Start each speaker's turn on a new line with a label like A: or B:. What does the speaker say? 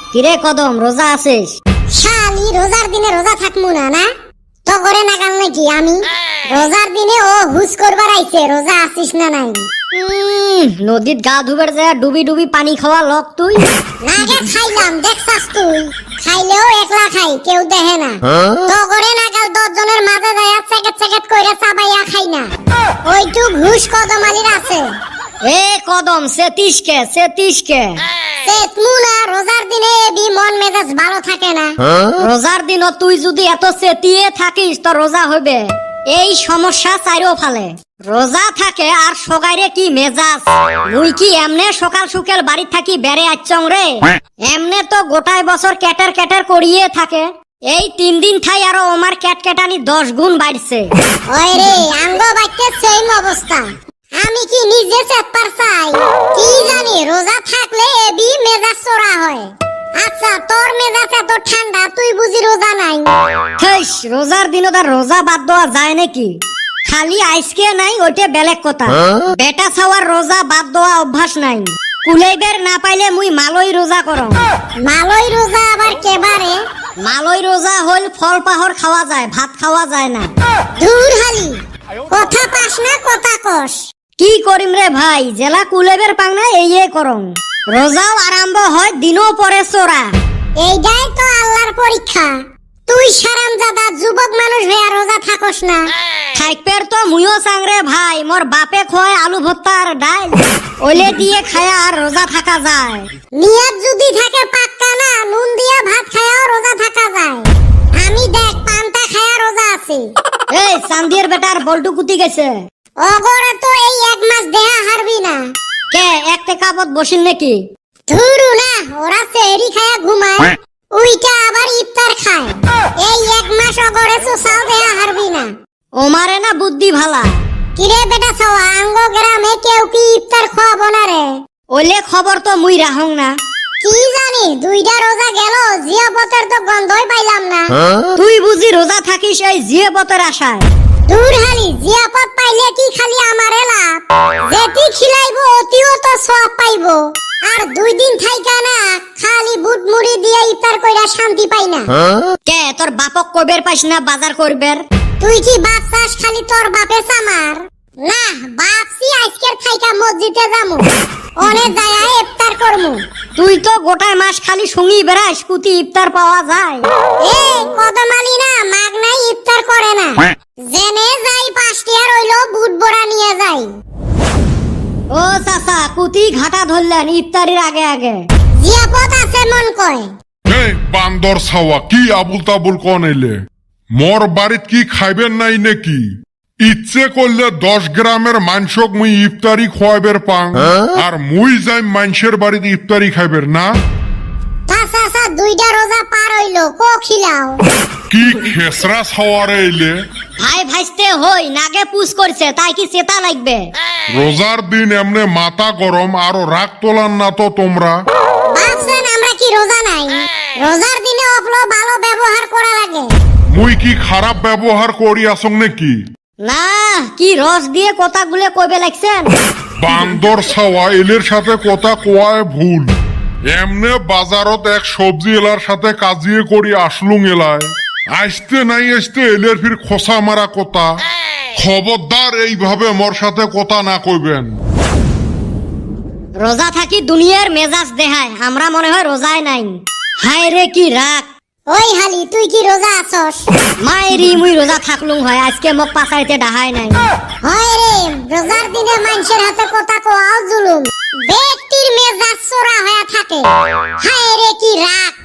A: কিরে কদম রোজা আছিস?
B: শালি রোজার দিনে রোজা থাকমু না না তো করে নাগাল নাকি আমি রোজার দিনে ও হুস করবার আইছে রোজা আছিস না নাই
A: নদীত গা ধুবার যায় ডুবি ডুবি পানি খাওয়া লোক তুই।
B: নাগে খাইলাম দেখছাস তুই খাইলেও একলা খাই কেউ দেখে না তো করে নাগাল 10 জনের মাঝে যায় চেকেট চেকেট কইরা চাবাইয়া খাই না ওইটু ঘুষ কদম আলীর আছে।
A: এ কদম সেতিশকে
B: চেতমু না রোজার দিনে এবি মন মেজাজ ভালো থাকে না।
A: রোজার দিন তুই যদি এত সেতিয়ে থাকিস তো রোজা হইবে এই সমস্যা চাইরো ফালে। রোজা থাকে আর সগাইরে কি মেজাজ, মুই কি এমনে সকাল সকাল বাড়ি থাকি বেড়ে আচ্ছং রে, এমনে তো গোটায় বছর ক্যাটার ক্যাটার করিয়ে থাকে। এই 3 দিন ঠাই আরো আমার ক্যাটকেটানি 10 গুণ বাড়ছে।
B: ওই রে আঙ্গ বাইতে সেম অবস্থা আমি কি নিজে চেতপার চাই কি জানি রোজা থাকলে এবি মেজাজ চড়া হয়। আচ্ছা তোর মেজাজ এত ঠান্ডা তুই বুঝি রোজা নাই?
A: হেস রোজার দিন তার রোজা বাদ দেওয়া যায় নাকি? খালি আইসকে নাই ওইটা বেলেগ কথা, বেটা ছাওয়ার রোজা বাদ দেওয়া অভ্যাস নাই। কুলাইবের না পাইলে মুই মালই রোজা করম।
B: মালই রোজা আবার কেবারে?
A: মালই রোজা হইল ফল পাহর খাওয়া যায়, ভাত খাওয়া যায় না।
B: দূর হালি কথা পাস না কথা কস।
A: কি করিম রে ভাই, জেলা কুলাইবের পাং না এই করম। রোজাও আরম্ভ হয় দিনও পরে চোরা।
B: এইটাই তো আল্লাহর পরীক্ষা। তুই সারামজাদা যুবক মানুষ হইয়া রোজা থাকস না।
A: থাকপের তো মুইও চাংরে ভাই, মোর বাপে খয় আলু ভর্তা আর ডাল, ওলে দিয়ে খায়া আর রোজা থাকা যায়।
B: নিয়ত যদি থাকে পাক্কা না নুন দিয়া ভাত খায়াও রোজা থাকা যায়। আমি দেখ পান্তা খায়া রোজা আছি।
A: এই চান্দির বেটার বল্টু কুতি গেছে।
B: অগরে তো এই 1 মাস দেহা হারবি না।
A: কে একটা কাপত বসিন নাকি?
B: ধুরু না ওরা সেহরি খায়া ঘুমায় উইটা আবার ইফতার খায়। এই 1 মাস অগরে সুসাও দেহা হারবি না।
A: ওমারে না বুদ্ধি ভালা।
B: কিরে বেটা ছাওয়া আঙ্গ গ্রামে কেউ কি ইফতার খাওয়াবো না রে?
A: ওলে খবর তো মুই রাহং না।
B: কি জানি 2টা রোজা গেল জিয়াপতের তো গন্ধই পাইলাম না।
A: তুই বুঝি রোজা থাকিস এই জিয়াপতের আশায়?
B: দূর হালি জিয়াপত পাইলে কি খালি আমারে লাভ? যেটি খিলাইবো অতিও তো সওয়াব পাইবো। আর 2 দিন থাইকা না খালি বুট মুড়ি দিয়ে ইফতার কইরা শান্তি পাই না।
A: কে তোর বাপক কবের পাইস না বাজার করবের?
B: তুই কি বাপ চাস খালি তোর বাপে সামার? না বাপসি আজকের থাইকা মসজিদে যামু অনে যায়া ইফতার করমু।
A: তুই তো গোটায় মাস খালি সঙ্গী বেড়াস, কুতি ইফতার পাওয়া যায়।
B: এ কদমালি না মাগনাই ইফতার করে না। জেনে যাই 5 টিয়া রইলো বুট বড়া নিয়ে যাই।
A: ও চাচা কুতি ঘাটা ধরলেন ইফতারির আগে আগে।
B: জিয়াপত আছে মন কয়।
C: এই বান্দর ছাওয়া কি আবুল তাবুল কোন এলে? মোর বাড়িত কি খাইবেন নাই নাকি? ইচ্ছে করলে 10 গ্রামের মাংসক মুই ইফতারি খোয়াবের পাং আর মুই যাই মানুষের বাড়িতে ইফতারি খাইবের না।
B: চাচা 2টা রোজা পার হইলো কো খিলাও।
C: কি খেসরা ছাওয়ারে এলে?
A: ভাই ভাইস্তে হই নাগে পুষ করছে তাই কি চেতা লাগবে?
C: রোজার দিন এমনে মাথা গরম আরো রাগ তোলান না তো তোমরা।
B: ভাবছেন আমরা কি রোজা নাই? রোজার দিনে অফলো ভালো ব্যবহার করা লাগে।
C: মুই কি খারাপ ব্যবহার করি আসং নাকি?
A: না কি রস দিয়ে কথাগুলো কইবে লাগছেন?
C: বান্দর ছাওয়া এলের সাথে কথা কোয়ায় ভুল। এমনে বাজারত এক সবজি এলার সাথে কাজিয়ে করি আসলুং এলায় আসতে নাই আসতে এলের ফির খোসা মারা কথা। খবরদার এইভাবে মোর সাথে কথা না কইবেন।
A: রোজা থাকি দুনিয়ার মেজাজ দেখায়, আমরা মনে হয় রোজায় নাই। হায় রে কি রাগ।
B: ওই হালি তুই কি রোজা আছস?
A: মায়েরি মুই রোজা থাকলুম হয়, আজকে মোক পাছাইতে ডাহাই নাই।
B: হয় রে রোজার দিনে মানুষের হাতে কথা কোয়াও জুলুম। ব্যক্তির মেজাজ চোরা হয়ে থাকে। হায় রে কি রাগ।